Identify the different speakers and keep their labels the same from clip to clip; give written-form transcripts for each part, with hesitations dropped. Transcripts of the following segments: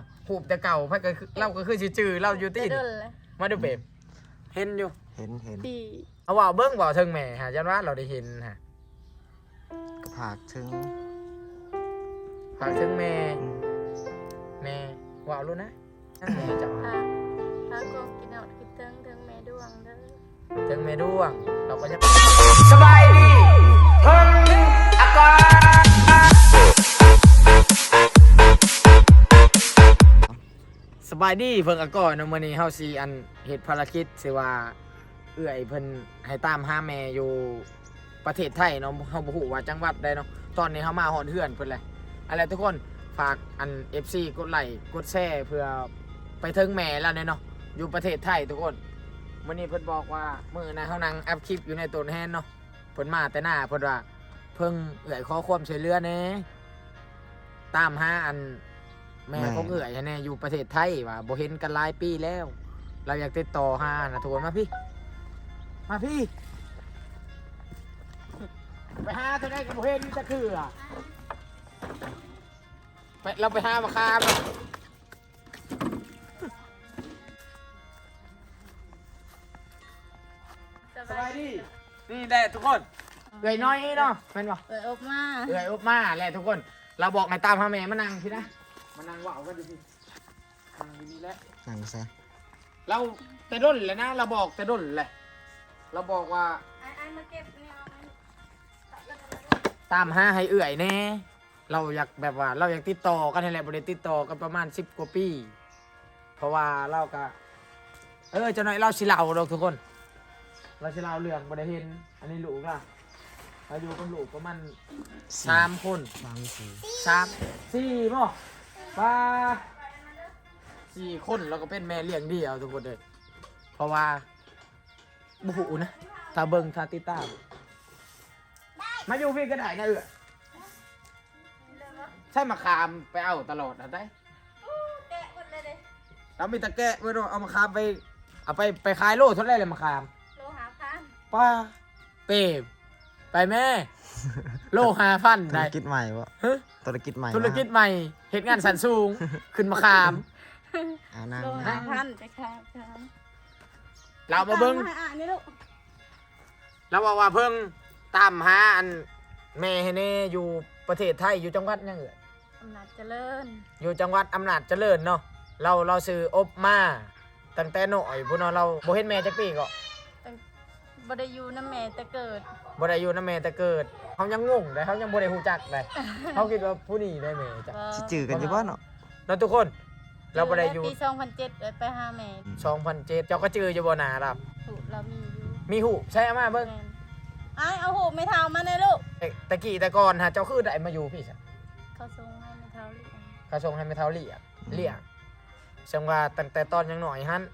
Speaker 1: นาะหูบแต่เก่าไผก็คือเราก็คือสิจื้อเราอยู่ติมาดูเบบเห็นอยู่
Speaker 2: เห็น
Speaker 3: ปี
Speaker 1: เอาว่าเบิ่งบ่ถึงแม่ฮะยันว่าเราได้เห็นฮะ
Speaker 2: ก็ผากถึง
Speaker 1: ฝากถึงแม่ว่ารู้นะนั่นแม่เจ้า
Speaker 3: พากองกินเอาคิดถึงแม่ดวงเด้อ
Speaker 1: ถึงแม่ดวงเราก็ยังสบายดีเพิ่งอากาศสบายดีเพิ่งอากาศเนาะมื้อนี้เฮาสิอันเฮ็ดภารกิจสิว่าเอื้อยเพิ่นให้ตามหาแม่อยู่ประเทศไทยเนาะเฮาบ่ฮู้ว่าจังหวัดใดเนาะตอนนี้เฮามาฮอดเฮือนเพิ่นเลยอะไรทุกคนฝากอัน FC กดไลค์กดแชร์เพื่อไปถึงแม่แล้วเนาะอยู่ประเทศไทยทุกคนมื้อนี้เพิ่นบอกว่ามื้อนะเฮานั่งอัพคลิปอยู่ในต้นแฮนเนาะเพิ่นมาแต่หน้าเพิ่นว่าเพิ่งเอื้อยขอความช่วยเหลือแหน่ตามหาอันแม่ของเอื้อยแหน่อยู่ประเทศไทยว่าบ่เห็นกันหลายปีแล้ว เราอยากติดต่อหานะทุกคนมาพี่ไปหาเท่าไหร่ก็บ่เห็นจะคือไปเราไปหามาคามสบายดีนี่แหละทุกคนเอื่อยน้อยเนาะแม่นบ่
Speaker 3: เปิดอบมา
Speaker 1: เอื่อยอุบมาแหละทุกคนเราบอกให้ตามหาแม่มานั่งพี่นะมานั่งว่าวกันดูพี่นั่งดีๆแล้ว
Speaker 2: นั่งซะ
Speaker 1: เราแต่ด้นเลยนะเราบอกแต่ด้นเลยเราบอกว่า
Speaker 3: ไอ้มาเก็บนี่เอาไว้
Speaker 1: ตามหาให้เอื่อยแน่เราอยากแบบว่าเราอยากติดต่อกันนี่แหละบริติดต่อกันประมาณ10 กว่าปีเพราะว่าเราก็จะหน่อยเราสิเล่าดอกทุกคนเราสิเล่าเรื่องบริเห็นอันนี้ลูกล่ะเราอยู่กับลูกประมาณ3 คน 4ป่ะป้า4 คนเราก็เป็นแม่เลี้ยงเดี่ยวทุกคนเลยเพราะว่าบุหูนะถ้าเบิ่งถ้าติดตามมาอยู่พี่ก็ได้นะใช่มะขามไปเอาตลอดนะได้
Speaker 3: แกะหมดเลยเด้
Speaker 1: เรามีตะแกะไว้ด้วยเอามะขามไปเอาไปขายโลเท่าไรเลยมะขาม
Speaker 3: โลหะพัน
Speaker 1: ป้าเปบไปแม่ โล5,000
Speaker 2: ธุร
Speaker 1: ได้
Speaker 2: กิจใหม่วะ
Speaker 1: ฮะ
Speaker 2: ธุรกิจใหม่
Speaker 1: ธุรกิจใหม่เหตุงานสันสูง ขึ้นมะขาม
Speaker 2: นั่ง
Speaker 3: โลหะพันจะค่ะค่ะ
Speaker 1: เรามาเบิ้ง
Speaker 3: อ่านนี่ลูก
Speaker 1: เราบอกว่าเพิ่งตามหาอันแม่ให้แน่อยู่ประเทศไทยอยู่จังหวัดยังเอ่ย
Speaker 3: อำนาจเจริญ
Speaker 1: อยู่จังหวัดอำนาจเจริญเนาะเราซื้ออบมาตั้งแต่น้อยพุ่นเนาะเราบ่เห็นแม่จักปีก็
Speaker 3: บ่ได้อยู่น้ำแม่แต่เกิด
Speaker 1: บ่ได้อยู่นำแม่แต่เกิดเขายังงงเลยเขายังบ่ได้ฮู้จักเลย เขาคิดว่าผู้นี้ได้แม่จ้ะ
Speaker 2: สิจือกันอยู่บ่เนาะ
Speaker 1: เนาะทุกคนเราบ่ได้อยู่
Speaker 3: ปี2007ไปหาแม่
Speaker 1: 2007เจ้าก็จื้ออยู่บ่หนาครับ
Speaker 3: ถูกเรามีอยู่
Speaker 1: มีหูใช่อามาเบิ่ง
Speaker 3: แม่นไอ้เอาหูไม่เท่ามาเลยลูก
Speaker 1: ตะกี้แต่ก่อนฮะเจ้าคือได้มาอยู่พี่ซะ
Speaker 3: เขาส่งให้ไม่เท่าหรือยัง
Speaker 1: เขาส่งให้แม่เฒ่าเลี้ยงซึ่งว่าตั้งแต่ตอนยังน้อยหั่น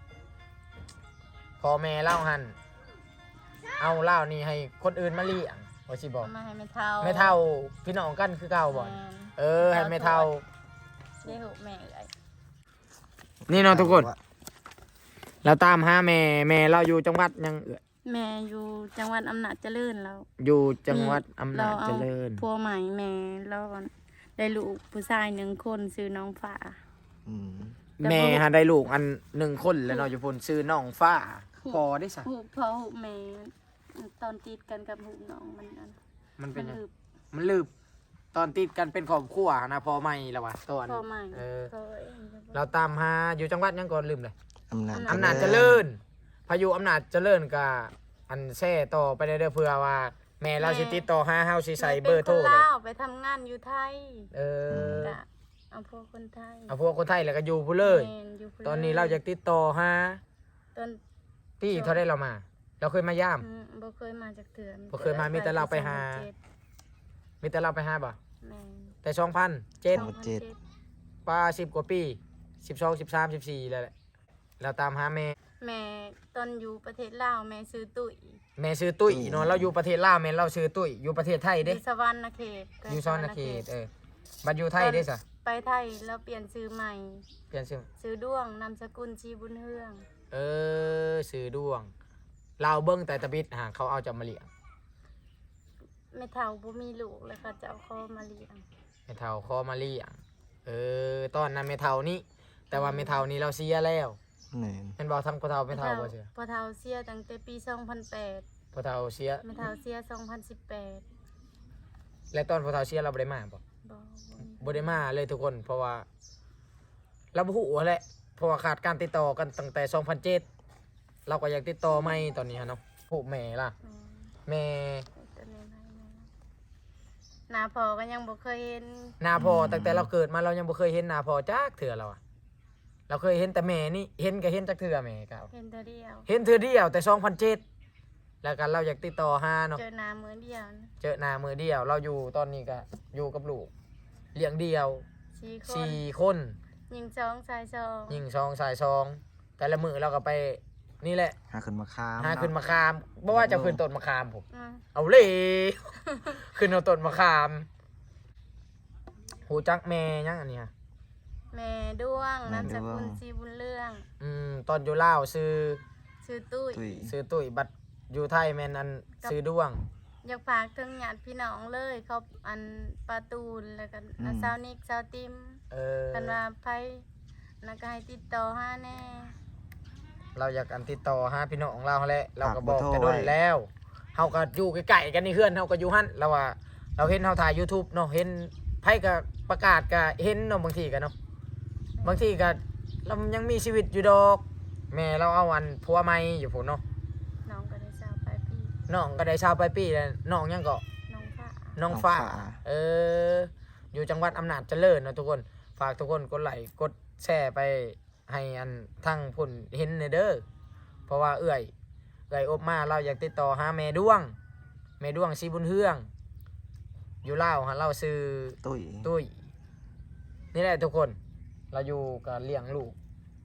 Speaker 1: พ่อแม่เล่าหั่นเอาเล่านี่ให้คนอื่นมาเลี้ยงว่าสิบอก
Speaker 3: เอามาให้ไม่เท่า
Speaker 1: แม่เฒ่าพี่น้องกันคือเก่าบ่
Speaker 3: แม่น
Speaker 1: ให้แม่เฒ่า
Speaker 3: ได้หูแม่เอ้ย
Speaker 1: นี่เนาะทุกคน เราตามหาแม่เราอยู่จังหวัดยังเอ่ย
Speaker 3: แม่อยู่จังหวัดอำนาจเจริญแล้ว
Speaker 1: อยู่จังหวัดอำนาจเจริญ
Speaker 3: พัวใหม่แม่แล้วได้ลูกผู้ชาย1 คนชื่อน้องฟ้า
Speaker 2: อืม
Speaker 1: แม่ฮะได้ลูกอัน1 คนแล้วเนาะอยู่พุ่นชื่อน้องฟ้าพอได้ซะ
Speaker 3: หูพ่อหูแม่ตอนติดกันกับหูน้องมันนั่น
Speaker 1: มันเป็นยัง
Speaker 3: ลืบ
Speaker 1: มันลืบตอนติดกันเป็นครอบครัวนะพอใหม่แล้ววะตอน
Speaker 3: พ่อใหม่
Speaker 1: เรา
Speaker 3: เรา
Speaker 1: ตามหาอยู่จังหวัดยังก่อนลืมเลย
Speaker 2: อำนาจ
Speaker 1: อำนาจเจริญพายุอำนาจเจริญกับอันแช่ต่อไปเด้อเพื่อว่าแม่เราสิติดต่อหาเฮาสิใส่เบอร์โทร
Speaker 3: ป็นคน
Speaker 1: เลย
Speaker 3: ลาวไปทำงานอยู่ไทย
Speaker 1: เออ
Speaker 3: กะเอาพวกคนไทย
Speaker 1: เอาพวกคนไทยแล้วก็อยู่ผู้เลย
Speaker 3: แม่นอยู่พุ่
Speaker 1: ตอนนี้เราอยากติดต่อหา
Speaker 3: ตอน
Speaker 1: พี่เขาได้เรามา เราเคยมาย่าม
Speaker 3: บ่เคยมาจากเถื่อน
Speaker 1: บ่เคยมามีแต่เราไปหา มีแต่เราไปหาบ่
Speaker 3: แม่น
Speaker 1: แต่2007ป้า10 กว่าปี12 13 14แล้วแหละเราตามหาแม่
Speaker 3: แม่ตอนอยู่ประเทศลาวแม่ซื้อตุ้ย
Speaker 1: แม่ชื่อตุ้ยเนาะเราอยู่ประเทศลาวแม่เราชื่อตุ้ยอยู่ประเทศไทย
Speaker 3: อ
Speaker 1: เด้
Speaker 3: ยู่สวรรณเขต
Speaker 1: อยู่ซอนนาเขตบัดอยู่ไทยเด้ซะ
Speaker 3: ไปไทยแล้วเปลี่ยนชื่อใหม่
Speaker 1: เปลี่ยนชื่อ
Speaker 3: ซื้อด้วงนามสกุลชีบุญเฮือง
Speaker 1: ชื่อดวงเราเบิ่งแต่ตะบิดหาเขาเอาจะมาเลี้ยง
Speaker 3: แม่เฒ่าบ่มีลูกเลยค่ะจะเอาเขามาเลี้ยง
Speaker 1: ให้เฒ่าขอมาเลี้ยงตอนนั้นเมเทานี่แต่ว่าเมเทานี้เราเสียแล้ว
Speaker 2: แม่น
Speaker 1: เห็นบอกทั้งพ่อเทาเมเทาบ่เชื่อ
Speaker 3: พอเฒ่าเสียตั้งแต่ปี2008
Speaker 1: พ่อเทาเสีย
Speaker 3: แม่เฒ่าเสีย2018
Speaker 1: และตอนพ่อเทาเสียเราบ่ได้มาบ่
Speaker 3: บ่
Speaker 1: บ่ได้มาเลยทุกคนเพราะว่าเราบ่ฮู้แหละเพราะว่าขาดการติดต่อกันตั้งแต่2007เราก็อยากติดต่อใหม่ตอนนี้ฮะเนาะผู้แม่ล่ะแม่
Speaker 3: ตัวนี้ให้แม่หน้าพ่อก็ยังบ่เคยเห็น
Speaker 1: หน้าพ่อตั้งแต่เราเกิดมาเรายังบ่เคยเห็นหน้าพ่อจักเทื่อเราอะเราเคยเห็นแต่แม่นี่เห็นก็เห็นจักเทื่อแม่ก็
Speaker 3: เห็นเธอเดียว
Speaker 1: เห็นเทื่อเดียวแต่2007แล้วกันเราอยากติดต่อหาเนาะ
Speaker 3: เจอหน้ามือเดียวนะ
Speaker 1: เจอหน้ามือเดียวเราอยู่ตอนนี้ก็อยู่กับลูกเลี้ยงเดียว
Speaker 3: 4 คน
Speaker 1: 4คน
Speaker 3: ยิง2ชาย2
Speaker 1: ยิง2สาย2แต่ละมือเราก็ไปนี่แหละ
Speaker 2: หาขึ้นมาค้าม
Speaker 1: หาขึ้นมะขามบ่ว่าจะขึ้นต้นมะขามผม
Speaker 3: อืม
Speaker 1: เอาเลย ขึ้นเอาต้นมะขามหูจักแม่ยังอันเนี้ย
Speaker 3: แม่ด้วงนามสกุลสีบุญเรื่อง
Speaker 1: ตอนอยู่ลาวซื้อ
Speaker 3: ชื่อตุ้ย
Speaker 2: ตุ้ย
Speaker 1: ซื้อตุ้ยบัตรอยู่ไทยแม่นอันซื้อด้วง
Speaker 3: อยากฝากถึงญาติพี่น้องเลยเขาอันปาตูนแล้วก็สาวนิกสาวติม
Speaker 1: เออ
Speaker 3: กันว่าไผแล้วก็ให้ติดต่อหาแน่
Speaker 1: เราอยากอันติดต่อหาพี่น้องของเราแหละเราก็บอกแต่โดนแล้วเฮาก็อยู่ใกล้ๆกันนี่เพื่อนเฮาก็อยู่หั่นเราว่าเราเห็นเฮาถ่าย YouTube เนาะเห็นไผก็ประกาศก็เห็นเนาะบางทีก็เนาะบางทีก็เรายังมีชีวิตอยู่ดอกแม่เราเอาอันผัวใหม่อยู่พุ่นเนาะ
Speaker 3: น้องก็ได้สาวไปปี
Speaker 1: น้องก็ได้ชาวไปปีแล้วน้องยังก็
Speaker 3: น้องฟ้า
Speaker 1: น้องฟ้าอยู่จังหวัดอำนาจเจริญเนาะทุกคนฝากทุกคนกดไลค์กดแชร์ไปให้อันทั้งพุ่นเห็นเด้อเพราะว่าเอื้อยอบมาเราอยากติดต่อหาแม่ด้วงสีบุญเฮืองอยู่ลาวหาเราซื้อ
Speaker 2: ตุ้ย
Speaker 1: ตุ้ยนี่แหละทุกคนเราอยู่กับเลี้ยงลูก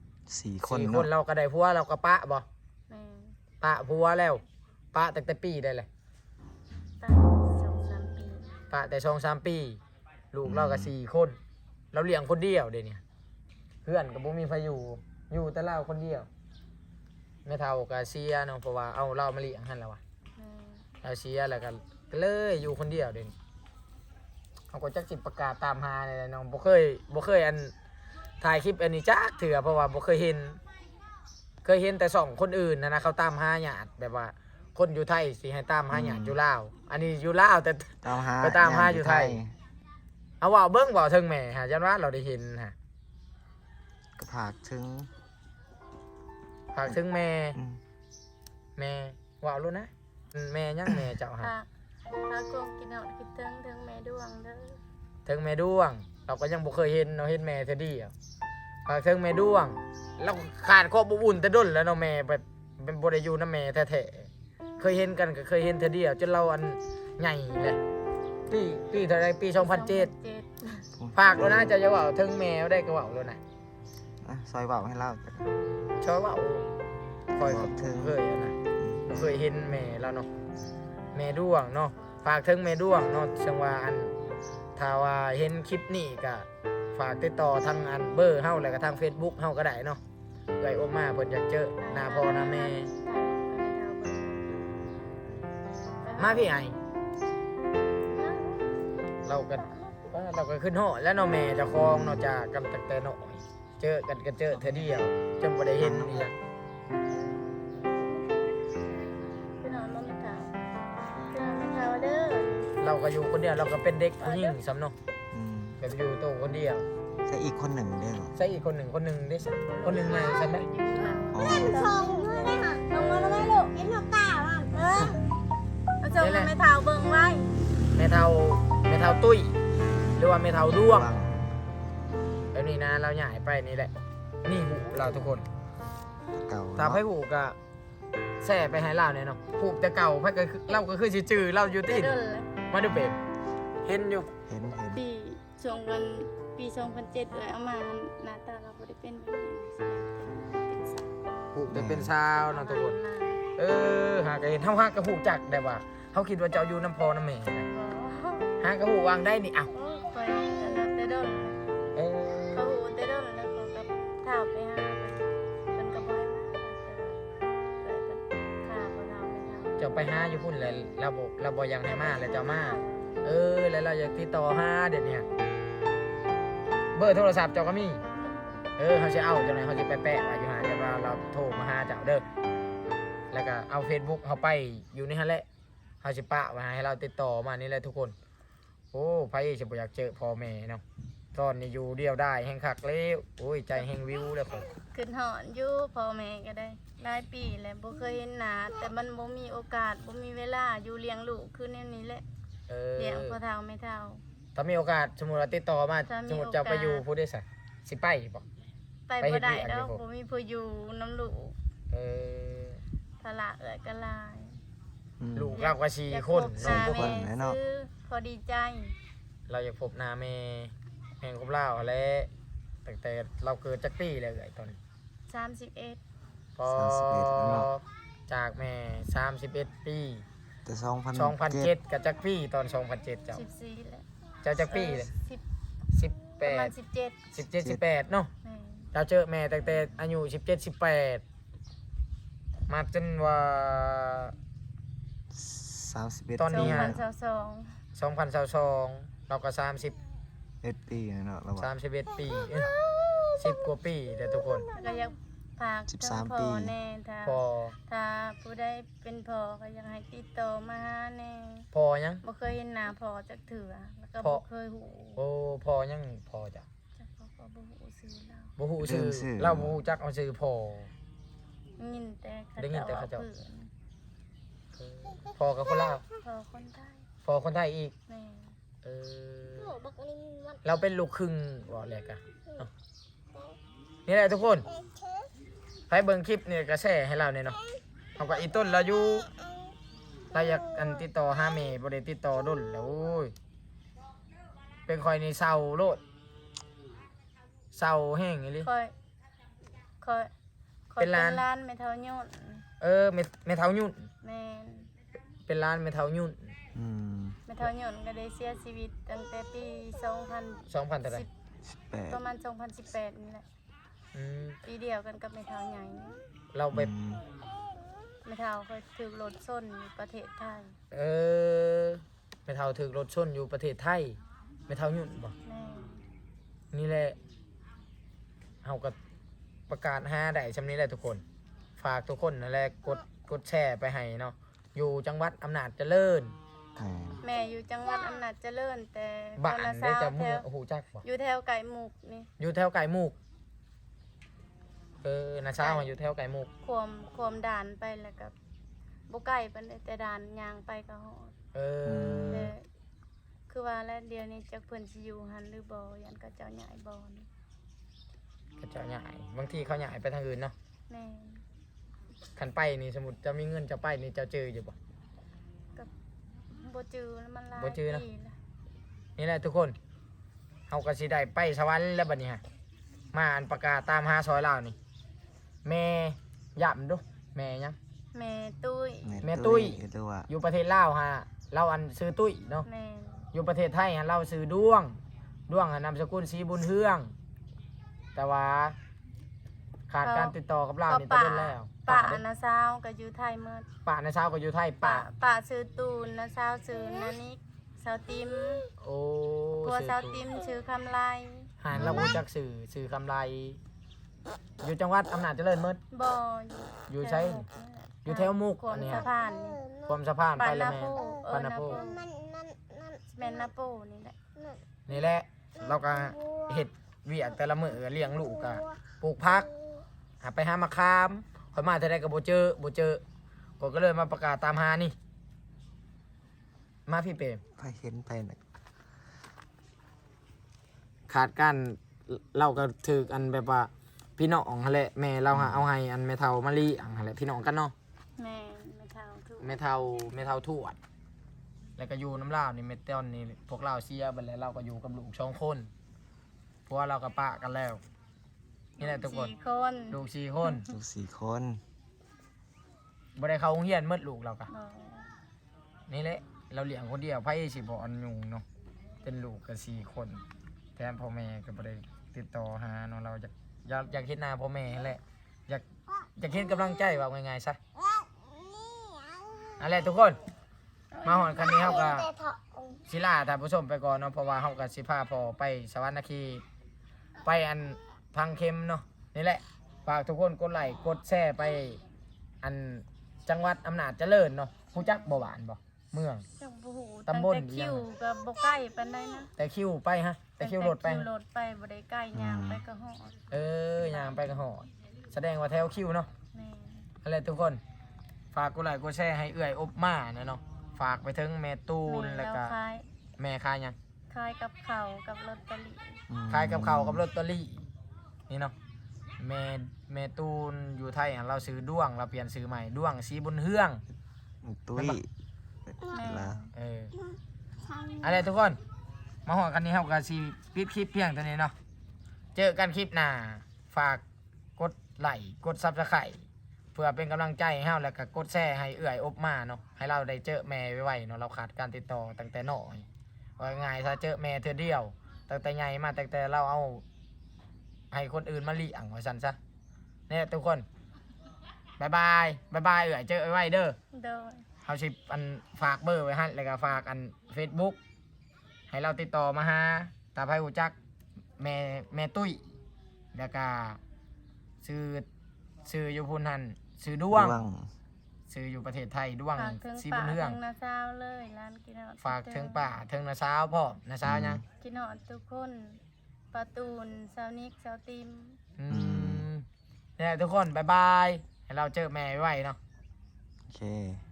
Speaker 2: 4 คน
Speaker 1: 4 คน
Speaker 2: เนาะ
Speaker 1: เราก็ได้ผัวเราก็ปะบ่
Speaker 3: แม่
Speaker 1: ปะผัวแล้วปะตั้งแต่ปีได้เลย
Speaker 3: ตั้ง2-3 ปี
Speaker 1: ปะแต่2-3 ปี ลูกเราก็4 คน เราเลี้ยงคนเดียวเดี๋ยวนี้เพื่อนก็บ่มีไผอยู่แต่เราคนเดียวแม่เฒ่าก็เสียเนาะเพราะว่าเอาเรามาเลี้ยงหั่นแล้วว่ะ
Speaker 3: แม่
Speaker 1: เราเสียแล้วก็เลยอยู่คนเดียวเดี๋ยวนี้เขาก็จักสิประกาศตามหาเลยน้องบ่เคยอันถ่ายคลิปอันนี้จักเถื่อเพราะว่าบ่เคยเห็นแต่2คนอื่นนะเขาตามหาญาติแบบว่า คนอยู่ไทยสิให้ตามหาญาติอยู่ลาวอันนี้อยู่ลาวแต่
Speaker 2: ตามหา
Speaker 1: ไปตามหาอยู่ไทย เอาว่าเบิ่งบ่ถึงแม่ฮะยันว่าเราได้เห็นฮะ
Speaker 2: ก็ผากถึง
Speaker 1: ฝากถึงแม่
Speaker 2: อืม
Speaker 1: แม่ว่ารู้นะแม่ยังแม่เจ้าฮะ
Speaker 3: พาคงกินเอาคิดถึงแม่ด้วงเด้อ
Speaker 1: ถึงแม่ด้วง เราก็ยังบ่เคยเห็นเนาะเห็นแม่เท่าเดียวฝากถึงแม่ด้วงเราขาดความอบอุ่นแต่ด้นแล้วเนาะแม่แบบเป็นบ่ได้อยู่นำแม่แท้ๆเคยเห็นกันก็เคยเห็นเท่าเดียวจนเราอันใหญ่เลยปีเท่าไรปี2007ฝากแล้วนะเจะเว้าถึงแม่ได้ก็เว้าแล้วนะ
Speaker 2: อ่ะซอยเว้าให้เล่ากัน
Speaker 1: ชอบเว้าคอย
Speaker 2: บอกถึง
Speaker 1: เคยอะนะเคยเห็นแม่แล้วเนาะแม่ด้วงเนาะฝากถึงแม่ด้วงเนาะจังว่าอันถ้าว่าเห็นคลิปนี้ก็ฝากติดต่อทางอันเบอร์เฮาแล้วก็ทาง Facebook เฮาก็ได้เนาะเอ้ยโอมาเพิ่นอยากเจอหน้าพ่อหน้าแม่มาพี่ไอเราก็ขึ้นหอแล้วเนาะแม่เจะคลองเนาะจากกันตั้งแต่น้อยเจอกันก็เจอเธอเดียวจนบ่ได้เห็นนี่ล่ะ
Speaker 3: พี่น้องน้องเฒ่าพี่น้องเฒ่าเด้อ
Speaker 1: เราก็อยู่คนเดียวเราก็เป็นเด็กผู้หญิงซ้ำเนาะ
Speaker 2: อืม
Speaker 1: แบบอยู่โตวคนเดียว
Speaker 2: ใช่อีกคนหนึ่งเด้อ
Speaker 1: ใส่อีกคนหนึ่งได้สักคนหนึ่งไงใช่ไหม
Speaker 2: อ๋อ
Speaker 3: มาส่งให้แม่เฒ่าเบิ่งไว้
Speaker 1: แม่เฒ่าตุ้ยหรือว่าแม่เฒ่าด้วงแล้วนี่นะเราใหญ่ไปนี่แหละนี่หูเราทุกคน
Speaker 2: เก่า
Speaker 1: ถ้าไพ่หูก็แส่ไปให้เราเนี่ยเนาะผูกแต่เก่าไพ่ก็คือเราก็คือสิจื้อเราอยู่
Speaker 3: ได้
Speaker 1: ที่
Speaker 3: เด้อเลย
Speaker 1: มาดูเปมเห็นอยู่
Speaker 2: เห็น
Speaker 3: ปีช่วงวันปี2007เลยเอามาหน้าตาเราบ่ได้เป็นแบบนี้เป็นสาว
Speaker 1: ผูกแต่เป็นชาวเนาะทุกคนหากเห็นเฮาหากระหูจักได้ว่าเฮาคิดว่าเจ้าอยู่น้ำพอน้ำแม่นะหากระหูวางได้นี่อ้าว
Speaker 3: ไปอันนั้นแต่เด้อ
Speaker 1: เออ
Speaker 3: เขาหูแต่เด้อแล้วเขาก็ถามไปหาเพิ่นก็บ่ให้มาแต่ว่าเพิ่นฆ่าบ่ทำไม่ทำ
Speaker 1: เจ้าไปหาอยู่พุ่นเลยเราบ่อยังให้มาแล้วเจ้ามาแล้วเราอยากติดต่อหาเดี๋ยวนี้เบอร์โทรศัพท์เจ้าก็มีเขาจะเอาจังไหนเขาจะไปแปะไว้อยู่หาเดี๋ยวเราโทรมาหาเจ้าเด้อแล้วก็เอา Facebook เขาไปอยู่ในนั้นแหละเขาจะปะไว้ให้เราติดต่อมานี่แหละทุกคนโอ้ไผสิบ่อยากเจอพ่อแม่เนาะตอนนี้อยู่เดียวได้แห่งคักแล้วโอ้ยใจแห่งวิวแล้วคน
Speaker 3: ขึ้นหอนอยู่พ่อแม่ก็ได้หลายปีแล้วบ่เคยเห็นหน้าแต่มันบ่มีโอกาสบ่มีเวลาอยู่เลี้ยงลูกคือแนวนี้แหละเลี้ยงพ่อเฒ่าแม่เฒ่า
Speaker 1: ถ้ามีโอกาสสมมุติว่าติดต่อมา
Speaker 3: ถ้ามี
Speaker 1: สมมุติจะไปอยู่ผู้ได้สักสิไปบ่
Speaker 3: ไป
Speaker 1: ไปเฮ็
Speaker 3: บ่
Speaker 1: ด
Speaker 3: ได้
Speaker 1: เวียก
Speaker 3: แล้
Speaker 1: อยู่
Speaker 3: ว
Speaker 1: บ่
Speaker 3: บ่มีผู้อยู่น้ำลูก
Speaker 1: เออ
Speaker 3: ภาระเอื้อยก็หลาย
Speaker 1: ลูกเราก็สี่
Speaker 3: อยาก
Speaker 1: คน
Speaker 3: พบห
Speaker 1: เนาะ
Speaker 3: น้า
Speaker 2: ทุกค
Speaker 3: แม่
Speaker 2: นแน่เนาะ
Speaker 3: ซื้อพอดีใจ
Speaker 1: เราอยากพบหน้าแม่แห่งของเราแล้วตั้งแต่เราเกิดจักปีแล้วไอ้ตอนนี้
Speaker 3: 31
Speaker 1: พอ
Speaker 2: 31แล้วเนาะ
Speaker 1: จากแม่31ปี
Speaker 2: แต่
Speaker 1: 2007กับจักปีตอน2007เจ้า
Speaker 3: 14แล้ว
Speaker 1: เจ้าจักปีเลย
Speaker 3: 10ประมาณ
Speaker 1: 18
Speaker 3: 17
Speaker 1: 17 18เนาะ
Speaker 3: แม่
Speaker 1: เราเจอแม่ตั้งแต่อายุ17 18มาจนว่า
Speaker 2: 31
Speaker 1: ตอนนี้ฮะ
Speaker 3: 2022
Speaker 1: 2022เราก็
Speaker 2: 1ปีเนาะเราว่า
Speaker 1: 31 ปี10 กว่าปีเด้อทุกคน
Speaker 3: แล้วก็อยากฝากถึง
Speaker 2: 13
Speaker 3: พ่อ
Speaker 2: ปี
Speaker 3: แน่ถ้า
Speaker 1: พอ
Speaker 3: ถ้าผู้ใดเป็นพ่อก็อยากให้ติดต่อมาหาแน่
Speaker 1: พอยัง
Speaker 3: บ่เคยเห็นหน้าพ่อจักเถื่อแล้วก็
Speaker 1: พ่อ
Speaker 3: บ่เคยหู
Speaker 1: โอ้พอยังพอจ้ะ
Speaker 3: จักพ่อก็บ่หูชื่อเรา
Speaker 1: บ่ฮู้ชื่อ
Speaker 2: ลืมชื่อ
Speaker 1: เราบ่ฮู้จักเอาชื่อพอ
Speaker 3: ยินแต่เขา
Speaker 1: ได้ยินแต่เขา
Speaker 3: เจ้า
Speaker 1: เจ้า
Speaker 3: ว่า
Speaker 1: พอกับคนลาว
Speaker 3: พ่อคนไทย
Speaker 1: พอคนไทยอีก
Speaker 3: แม่
Speaker 1: เออเราเป็นลูกครึ่งบ่แหลกอะเนาะนี่แหละทุกคนใครเบิ่งคลิปนี่ก็แชร์ให้เราเนี่ยเนาะเอาก็อีต้นเราอยู่เราอยากอันติดต่อหาแม่บ่ได้ติดต่อดนแล้วโอ้ยเป็นคอยนี่เศร้าโลดเศร้าแห้งอีหลี
Speaker 3: คอยคอย
Speaker 1: เป็นร้าน
Speaker 3: ร้านแม่เฒ่ายุ่น
Speaker 1: แม่เฒ่ายุ่น
Speaker 3: แม่น
Speaker 1: เป็นร้านแม่เฒ่ายุ่น
Speaker 2: อืม
Speaker 3: แม่เฒ่ายุ่นก็ได้เสียชีวิตตั้งแต่ปี
Speaker 1: 2,000เท่าไหร่
Speaker 3: 2010ประมาณ2018นี่แหละ
Speaker 1: อืม
Speaker 3: ปีเดียวกันกับแม่เฒ่าใหญ่นี่
Speaker 1: เราไป
Speaker 3: แม่เฒ่าเคยถูกรถชนอยู่ประเทศไทย
Speaker 1: แม่เฒ่าถึกรถชนอยู่ประเทศไทยแม่เฒ่ายุ่นบ่
Speaker 3: แม่
Speaker 1: นี่แหละเฮาก็ประกาศหาได้ชำนี้แหละทุกคน ฝากทุกคนนั่นแหละกดแชร์ไปให้เนาะอยู่จังหวัดอำนาจเจริญ
Speaker 3: แม่อยู่จังหวัดอำนาจเจริญแต่
Speaker 1: บ้าน
Speaker 3: คนละ
Speaker 1: ได้จะ
Speaker 3: แถ
Speaker 1: มือ
Speaker 3: ว
Speaker 1: โอ้โหจักบ่
Speaker 3: อยู่แถวไก่หมุกนี่
Speaker 1: อยู่แถวไก่มูกนาเช้ามาอยู่แถวไก่มูก
Speaker 3: ความด่านไปแล้วก็บ่ไกลปานใดแต่ด่านยางไปก็ฮอด แต่คือว่าแล้วเดี๋ยวนี้จักเพิ่นสิอยู่หันหรือบ่ยันก็เจ้าใหญ่บ่นี่
Speaker 1: ก็เจ้าใหญ่บางทีเขาใหญ่ไปทางอื่นเนาะ
Speaker 3: แม่
Speaker 1: คันไปนี่สมมุติจะมีเงินจะไปนี่จะเจออยู่บ่
Speaker 3: ก็บ่จือแล้วมันหลาย
Speaker 1: บ่จือนะ
Speaker 3: ปีแล้ว
Speaker 1: นี่แหละทุกคนเฮาก็สิได้ไปสวรรค์แล้วบัดนี้ฮะมาอันประกาศตามหาซอยลาวนี่แม่ย่ำดูแม่ยัง
Speaker 3: แม่ตุ้ย
Speaker 1: แม่ตุ้ย
Speaker 2: ตัวว่า
Speaker 1: อยู่ประเทศลาวฮะเราอันซื้อตุ้ยเนาะ
Speaker 3: แม่
Speaker 1: อยู่ประเทศไทยฮะเราซื้อดวงนามสกุลศรีบุญเฮือง แต่ว่าขาดการติดต่อกับเรานี่ตะเล่นแล้ว
Speaker 3: ป้า
Speaker 1: เด้
Speaker 3: นะสาวก็อยู่ไทยหมด
Speaker 1: ป้าในเช้าก็อยู่ไทย
Speaker 3: ป้า
Speaker 1: ป้า
Speaker 3: ป้าชื่อตูนนะสาวชื่อนานิกสาวติม
Speaker 1: โอ้
Speaker 3: ผัว
Speaker 1: ซื้อ
Speaker 3: สาวติมชื่อคำไล
Speaker 1: หานเรารู้จักสื่อคำไรอยู่จังหวัดอำนาจเจริญหมด
Speaker 3: บ่
Speaker 1: อยู่ใช้อยู่แถวมุก
Speaker 3: ขว
Speaker 1: อั
Speaker 3: ม
Speaker 1: นนี้
Speaker 3: สะ
Speaker 1: ฮะ
Speaker 3: พานนี่
Speaker 1: ความสะพาน
Speaker 3: ปา
Speaker 1: ไป
Speaker 3: น
Speaker 1: แล้
Speaker 3: นาว
Speaker 1: แม่
Speaker 3: โป
Speaker 1: ปานาโป
Speaker 3: แม่นนาโปนี่แหละ
Speaker 1: นี่แหละเราก็เห็ดเวียกแต่ละมื้อเลี้ยงลูกก็ปลูกผักหาไปหามะขามค่อยมาเท่าใดก็บ่เจอก็เลยมาประกาศตามหานี่ มาพี่เปรม
Speaker 2: ไปเห็นไปน่ะ
Speaker 1: ขาดการเราก็ถืออันแบบว่าพี่น้องหั่นแหละแม่เราหาเอาให้อันแม่เฒ่ามาลีอังหั่นแหละพี่น้องกันเนาะ
Speaker 3: แม่ไม่เท่าทุก
Speaker 1: แม่เฒ่าทวดแล้วก็อยู่น้ำลาวนี่เมตอนนี่พวกเราเสียไปแล้วเราก็อยู่กับลูก2 คนเพราะว่าเราก็ปะกันแล้วนี่แหละทุกคน
Speaker 3: 4 คน
Speaker 1: ลูก4 คน
Speaker 2: ลูก4 คน
Speaker 1: บ่ได้เข้าโรงเรียนหมดลูกเราก็
Speaker 3: บ่
Speaker 1: นี่แหละเราเลี้ยงคนเดียวไผสิบ่อันยุงเนาะเป็นลูกก็4 คนแทนพ่อแม่ก็บ่ได้ติดต่อหาเนาะเราอยากเห็นหน้าพ่อแม่นั่นแหละอยากเห็นกำลังใจว่าง่ายๆซะนั่นแหละทุกคนมาหอนคันนี้เฮาก็ศิลาท่านผู้ชมไปก่อนเนาะเพราะว่าเฮาก็สิพาพ่อไปสวรรค์นาคีไปอันพังเข็มเนาะนี่แหละฝากทุกคนกดไลค์กดแชร์ไปอันจังหวัดอำนาจเจริญเนาะฮู้จักบ่หวานบ่เมือง
Speaker 3: จังบ่ฮู้
Speaker 1: ตำบล
Speaker 3: แต่คิวก็บ่ใกล้ปานใดนะ
Speaker 1: แต่คิวไปฮะแต่คิวรถไป
Speaker 3: คิวรถไปบ่ได้ใกล้ย่างไปก็ฮอด
Speaker 1: ย่างไปก็หอดแสดงว่าแถวคิวเนาะ
Speaker 3: แม่
Speaker 1: อะไรทุกคนฝากกดไลค์กดแชร์ให้เอื้อยอบมานะเนาะฝากไปถึงแม่ตูนแล้วก็
Speaker 3: ขาย
Speaker 1: แม่คายหยัง
Speaker 3: ขายกับข้าวกับลอตเตอรี่
Speaker 1: คายกับเขาวกับลอตเตอรี่นี่เนาะแม่ตูนอยู่ไทยเราซื้อด้วงเราเปลี่ยนซื้อใหม่ด้วงสีบุญเฮือง
Speaker 2: ตุ้ยละ
Speaker 1: อะไรทุกคนมาหอกันนี้ครับกับซีปิดคลิปเพียงเท่านี้เนาะเจอกันคลิปหน้าฝากกดไลค์กดซับสไครต์เพื่อเป็นกำลังใจให้เฮาแล้วก็กดแชร์ให้เอื่อยอบมาเนาะให้เราได้เจอแม่ไวๆเนาะเราขาดการติดต่อตั้งแต่น้อยว่าง่ายซะเจอแม่เธอเดียวตั้งแต่ใหญ่มาตั้งแต่เราเอาให้คนอื่นมาเลี้ยงว่าซั่นซะเนี่ยทุกคนบายบายเอื่อยเจอไว้เด้อ
Speaker 3: โดย
Speaker 1: เขาสิอันฝากเบอร์ไว้ให้แล้วก็ฝากอัน Facebook ให้เราติดต่อมาหาตาไผหูจักแม่ตุ้ยแล้วก็ซื้ออยู่พุ่นหันซื้อด้วงซื้ออยู่ประเทศไทยด้วง
Speaker 3: ฝากถึง
Speaker 1: สี
Speaker 3: ป่า
Speaker 1: บุญเฮือง
Speaker 3: ถึงนาซาวเลยร้านกินฮอด
Speaker 1: ฝากถึงป่าถึงนาสาวพ่อนาสาวยัง
Speaker 3: กินฮอดทุกคนปาตูนสาวนิกสาวติม
Speaker 1: เนี่ยทุกคนบายบายให้เราเจอแม่ไว้เนาะ
Speaker 2: โอเค